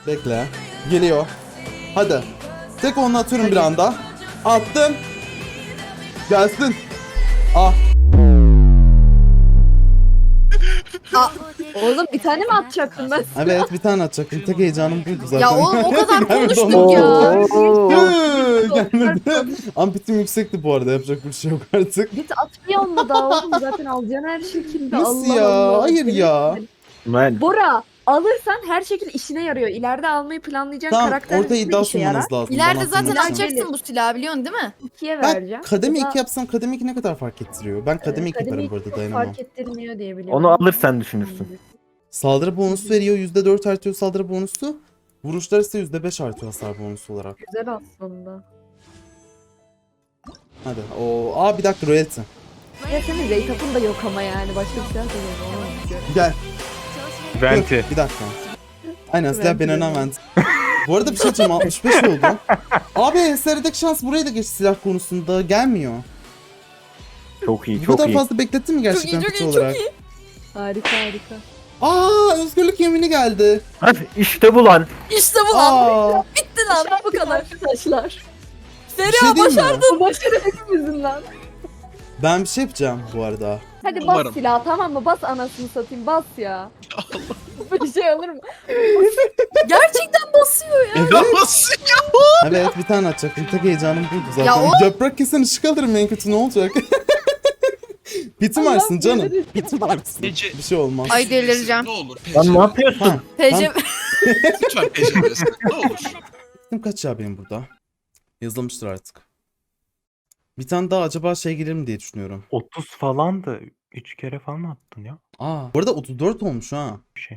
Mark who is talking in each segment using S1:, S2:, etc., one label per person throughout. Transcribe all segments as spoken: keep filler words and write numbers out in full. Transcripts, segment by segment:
S1: Bekle. Geliyor. Hadi. Tek onu atıyorum bir anda. Attım. Gelsin. Ah.
S2: Aa, oğlum bir tane mi atacaktın ben?
S1: Evet bir tane atacaktım. Tek heyecanım buydu zaten.
S2: Ya oğlum o kadar
S1: Gelmedi
S2: konuştuk
S1: ondan
S2: ya.
S1: sonra. Gelmedi. Ampitim yüksekti bu arada. Yapacak bir şey yok artık.
S2: Git atmıyor mu daha oğlum zaten alacaksın her şekilde.
S1: Nasıl
S2: Allah
S1: ya?
S2: Allah.
S1: Hayır ya.
S3: Ben
S2: Bora alırsan her şekilde işine yarıyor. İleride almayı planlayacağın
S1: Tamam
S2: karakter
S1: orada iddia
S2: işe yarar.
S1: sunmanız lazım.
S4: İleride
S1: bana
S4: zaten
S1: sunmak için.
S4: alacaksın bu silahı biliyorsun değil mi?
S2: ikiye
S1: Ben
S2: vereceğim.
S1: kademe
S2: Ya da,
S1: iki yapsam kademe iki ne kadar fark ettiriyor? Ben kademe iki yaparım bu arada
S2: çok
S1: dayanamam.
S2: fark ettirmiyor diye biliyorum.
S3: onu alırsan düşünürsün.
S1: Saldırı bonusu veriyor. yüzde dört artıyor saldırı bonusu. Vuruşlar ise yüzde beş artıyor hasar bonusu olarak.
S2: Güzel aslında.
S1: Hadi. Oo. Aa bir dakika royalty.
S2: Ya senin rate-up'ın da yok ama yani. Başka bir silah da yok. Onu istiyorum.
S1: Gel.
S3: Venti.
S1: Dur, bir dakika. Aynen silah
S2: Venti
S1: ben
S2: dedim.
S1: önem vent. Bu arada bir şey diyeceğim altmış beş oldu. Abi serideki şans buraya da geç silah konusunda gelmiyor.
S3: Çok iyi,
S1: Bu
S3: çok
S1: kadar
S3: iyi.
S1: fazla beklettin mi gerçekten
S4: çok
S1: kutu
S4: iyi, çok
S1: olarak?
S4: iyi.
S2: Harika harika.
S1: Aa özgürlük yemini geldi.
S3: Hadi işte bu lan.
S4: İşte bu lan.
S1: Aa
S4: Bitti lan bu kadar.
S2: Arkadaşlar.
S1: bir şey
S4: Feriha
S1: diyeyim mi?
S4: başardın.
S2: Bu başarı hepimizin lan.
S1: Ben bir şey yapacağım bu arada.
S2: Hadi bas
S5: Umarım.
S2: silah tamam mı? Bas anasını satayım bas ya. Bir şey olur mu?
S4: Gerçekten basıyor ya.
S1: Evet.
S5: Nasıl?
S1: Evet bir tane atacaktım. Tek heyecanım buydu zaten.
S4: Ya o-
S1: Yaprak kesen ışık alırım en kötü ne olacak? Bitim
S2: Allah
S1: varsın canım.
S2: bilir.
S1: Bitim varsın.
S5: Ece.
S1: Bir şey olmaz.
S4: Ay delireceğim.
S5: Ne olur
S3: Lan ne
S5: P C.
S3: yapıyorsun?
S1: Tamam.
S4: Tecem.
S5: Lütfen P C veresin. Ne olur.
S1: Bitim kaç ya benim burada? Yazılmıştır artık. Bir tane daha acaba şey gelir mi diye düşünüyorum.
S3: otuz falan da üç kere falan mı attın ya?
S1: Aa, bu arada otuz dört olmuş ha.
S3: Bir şey.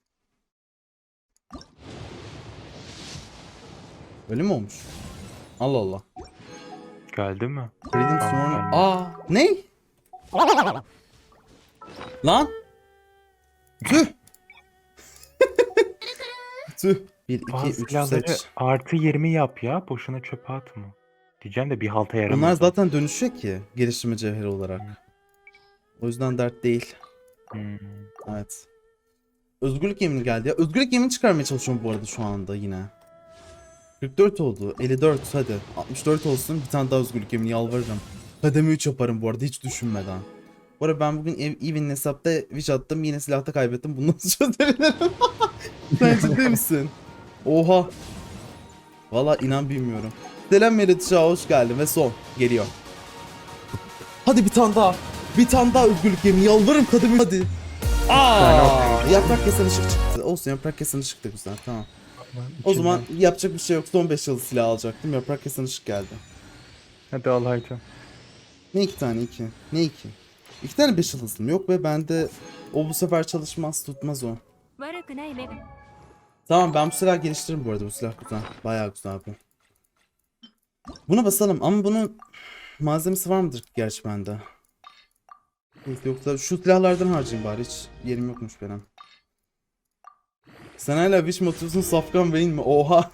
S1: Öyle mi olmuş? Allah Allah.
S3: Geldi mi?
S1: Freedom
S3: Tamam,
S1: Sworn.
S3: gelmedi.
S1: Aa, ne? Lan. Tüh. Tüh. bir, iki,
S3: Bazı
S1: üç
S3: silahları
S1: seç.
S3: artı yirmi yap ya. Boşuna çöpe atma. Diyeceğim de bir halta yaramaz.
S1: Bunlar
S3: o.
S1: zaten dönüşüyor ki geliştirme cevheri olarak. O yüzden dert değil.
S3: Hmm.
S1: Evet. Özgürlük yemini geldi ya. Özgürlük yemini çıkarmaya çalışıyorum bu arada şu anda yine. kırk dört oldu. elli dört hadi. altmış dört olsun. Bir tane daha özgürlük yemini yalvarırım. Kademe üç yaparım bu arada hiç düşünmeden. Bu arada ben bugün ev, Even'in hesapta wish attım. Yine silahta kaybettim. Bunu nasıl çözebilirim? Sen ciddi misin? Oha. Valla inan bilmiyorum. Selam Merit Şah hoş geldin ve son geliyor. Hadi bir tane daha. Bir tane daha özgürlük yemini yalvarırım kademe hadi. Aa, yaprak kesen ışık çıktı. Olsun yaprak kesen ışık da güzel tamam. O zaman yapacak bir şey yok. Son beş yıldız silah alacaktım. Yaprak kesen ışık geldi.
S3: Hadi al haydi.
S1: Ne iki tane iki? Ne iki? İki tane beş yıldızım yok ve bende o bu sefer çalışmaz tutmaz o. Tamam ben bu silah geliştiririm bu arada bu silah güzel. Bayağı güzel bu. Buna basalım ama bunun malzemesi var mıdır gerçi bende? Yok, yoksa şu silahlardan harcayayım bari hiç yerim yokmuş benim. Sen hala wish mi atıyorsun Safkan Bey'in mi? Oha.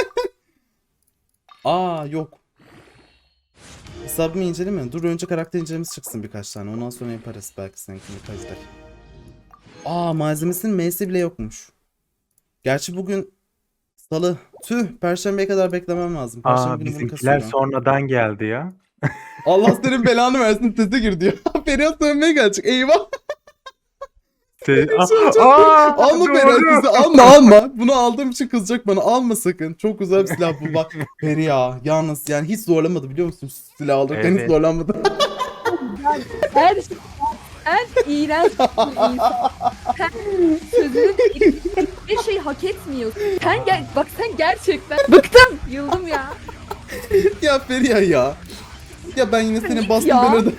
S1: Aa yok. Hesabımı inceleme. Dur önce karakter incelemesi çıksın birkaç tane. Ondan sonra yaparız belki seninkini kayıtlar. Aa malzemesinin M'si bile yokmuş. Gerçi bugün Salı. Tüh Perşembeye kadar beklemem lazım. Perşembe
S3: Aa
S1: günü bunu
S3: bizimkiler
S1: kasıyorum.
S3: sonradan geldi ya.
S1: Allah senin belanı versin sese gir diyor. Ferhat dönmeye gelecek. Eyvah.
S3: Se
S1: Aa,
S3: Aa,
S1: alma
S3: doğru.
S1: Ferhat sesi alma alma. Bunu aldığım için kızacak bana. Alma sakın. Çok güzel bir silah bu bak. Feriha yalnız yani hiç zorlamadı biliyor musun? Silah alırken hiç
S3: Evet.
S1: zorlanmadı.
S2: Her şey en iğrenç bir insan. Sen sözünün bir şey hak etmiyorsun. Sen gel bak sen gerçekten bıktım. Yıldım ya.
S1: Ya Feriha ya. Ya ben yine senin bastım
S2: Ya.
S1: ben öde.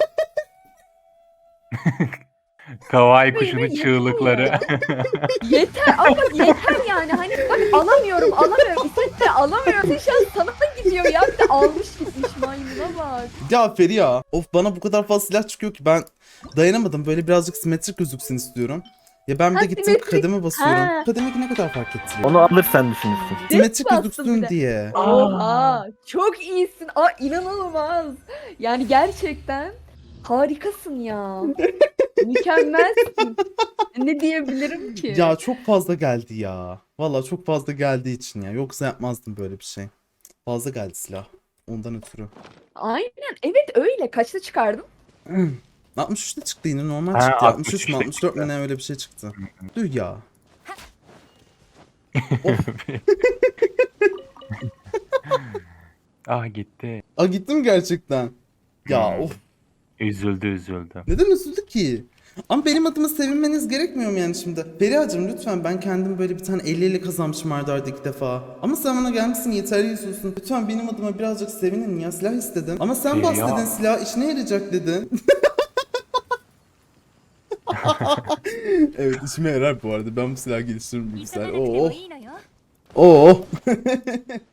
S3: Kawaii
S2: Yeter
S3: kuşunun
S2: ya.
S3: çığlıkları.
S2: Yeter ama bak yeter yani hani bak alamıyorum alamıyorum İsmet de alamıyorum. Şans sana da gidiyor ya bir de almış gitmiş maymuna bak.
S1: Ya Feriha. Of bana bu kadar fazla silah çıkıyor ki ben dayanamadım. Böyle birazcık simetrik gözüksün istiyorum. Ya ben bir de
S2: Ha,
S1: gittim
S2: simetrik.
S1: kademe basıyorum.
S2: Ha.
S1: Kademe ki ne kadar fark ettiriyor?
S3: Onu alırsan düşünürsün.
S1: Simetrik
S2: bastım bir
S1: gözüksün
S2: de.
S1: diye.
S2: Oha çok iyisin. Aa inanılmaz. Yani gerçekten harikasın ya. Mükemmelsin. Ne diyebilirim ki?
S1: Ya çok fazla geldi ya. Valla çok fazla geldiği için ya. Yoksa yapmazdım böyle bir şey. Fazla geldi silah. Ondan ötürü.
S2: Aynen evet öyle. Kaçta çıkardın?
S1: altmış üçte çıktı yine normal
S3: Ha,
S1: çıktı. altmış üç mü
S3: altmış üçte
S1: altmış dört mü
S3: çıktı.
S1: ne öyle bir şey çıktı. Tüh ya.
S3: Ah gitti.
S1: Aa gittim gerçekten. Ya
S3: Hmm.
S1: of.
S3: Üzüldü üzüldü.
S1: Neden üzüldü ki? Ama benim adıma sevinmeniz gerekmiyor mu yani şimdi? Feriha'cığım lütfen, ben kendim böyle bir tane elli elli kazanmışım arda arda iki defa. Ama sen bana gelmişsin yeterli yüzüyorsun. Lütfen benim adıma birazcık sevinin ya, silah istedim. Ama sen bas
S3: Feriha.
S1: dedin, silah işine yarayacak dedin. Evet işime yarar bu arada, ben bu silahı geliştiririm bilgisayar. Oo. Oo.